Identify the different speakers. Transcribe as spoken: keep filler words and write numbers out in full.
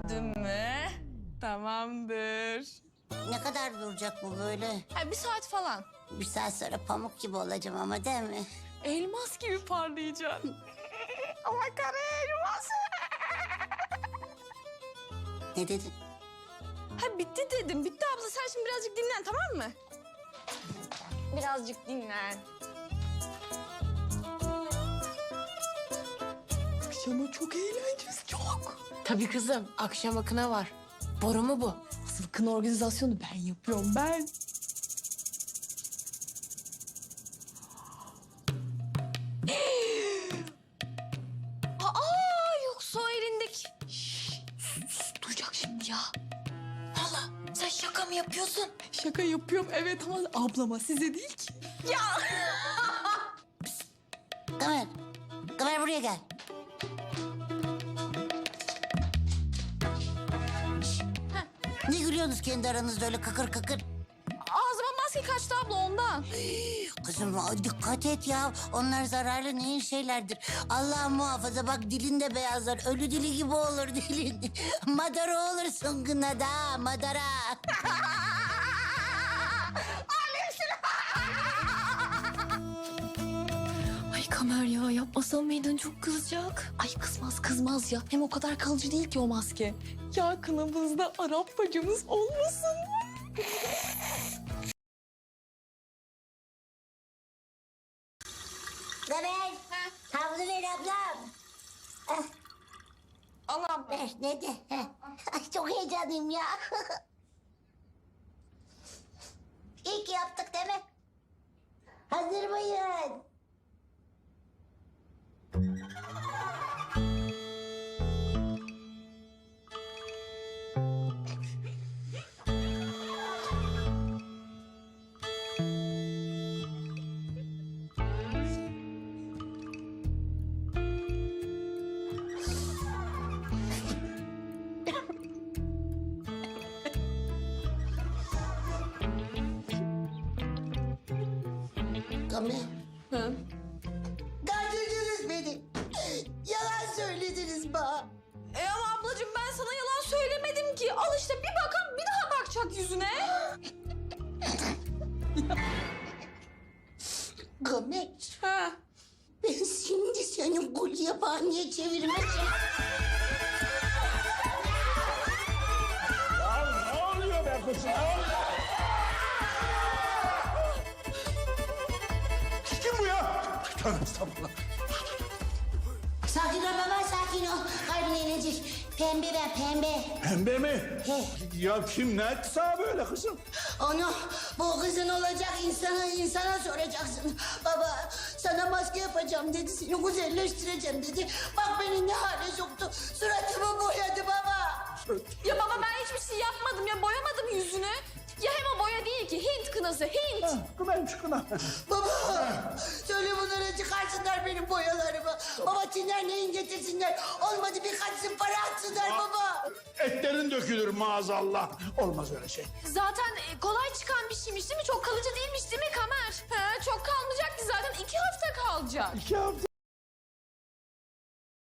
Speaker 1: Dün mü? Tamamdır.
Speaker 2: Ne kadar duracak bu böyle?
Speaker 1: Ha, bir saat falan.
Speaker 2: Bir saat sonra pamuk gibi olacağım ama değil mi?
Speaker 1: Elmas gibi parlayacaksın. Ama kara elmas.
Speaker 2: Ne dedin?
Speaker 1: Ha bitti dedim. Bitti abla. Sen şimdi birazcık dinlen, tamam mı? Birazcık dinlen. Akşama çok eğleneceğiz, çok.
Speaker 3: Tabii kızım, akşam akına var. Boru mu bu?
Speaker 1: Asıl kına organizasyonu ben yapıyorum, ben. Aa, yoksa o elindeki... Şşş, sus, sus, duyacak şimdi ya.
Speaker 3: Valla sen şaka mı yapıyorsun?
Speaker 1: Şaka yapıyorum evet ama ablama, size değil ki. Ya!
Speaker 2: Kamer. Kamer buraya gel. Ne gülüyorsunuz kendi aranızda öyle kakır kakır?
Speaker 1: Ağzıma maske kaçtı abla ondan.
Speaker 2: Kızım dikkat et ya. Onlar zararlı neyin şeylerdir. Allah muhafaza bak dilin de beyazlar. Ölü dili gibi olur dilin. Madara olursun gınada madara.
Speaker 3: Ay Kamer ya, yapmasan mıydın? Çok kızacak.
Speaker 1: Ay kızmaz kızmaz ya. Hem o kadar kalıcı değil ki o maske. Ya kınamızda Arap bacımız olmasın mı?
Speaker 2: Kamer. Havlu ver ablam.
Speaker 1: Allah'ım.
Speaker 2: Ver ne de. Ay çok heyecanlıyım ya. İyi ki yaptık değil mi? Hazır mıyız? Kamer.
Speaker 1: Hı?
Speaker 2: Kandırdınız beni. Yalan söylediniz bana.
Speaker 1: E ama ablacığım ben sana yalan söylemedim ki. Al işte bir bakan bir daha bakacak yüzüne.
Speaker 2: Kamer.
Speaker 1: Ha.
Speaker 2: Ben şimdi senin kul yabaniye çevirmeyeceğim.
Speaker 4: Ya ne oluyor be kızım? Kim bu ya? Tövbe estağfurullah.
Speaker 2: Sakin ol baba sakin ol. Kalbine inecek. Pembe ben pembe.
Speaker 4: Pembe mi?
Speaker 2: He.
Speaker 4: Ya kim ne etti sana böyle kızım?
Speaker 2: Onu bu kızın olacak insana insana soracaksın. Baba sana maske yapacağım dedi. Seni güzelleştireceğim dedi. Bak beni ne hale soktu. Suratımı boyadı baba.
Speaker 1: Ya baba ben hiçbir şey yapmadım ya. Boyamadım yüzünü. Ya hem o boya değil ki. Hint kınası Hint.
Speaker 4: Kınayım şu kına.
Speaker 2: Baba söyle bunlara çıkarsınlar benim boyalarımı. Baba tinlerleyin getirsinler. Olmadı birkaç para atsınlar baba.
Speaker 4: Etlerin dökülür maazallah. Olmaz öyle şey.
Speaker 1: Zaten e, kolay çıkan bir şeymiş değil mi? Çok kalıcı değilmiş değil mi Kamer? Ha, çok kalmayacak ki zaten iki hafta kalacak.
Speaker 4: İki hafta.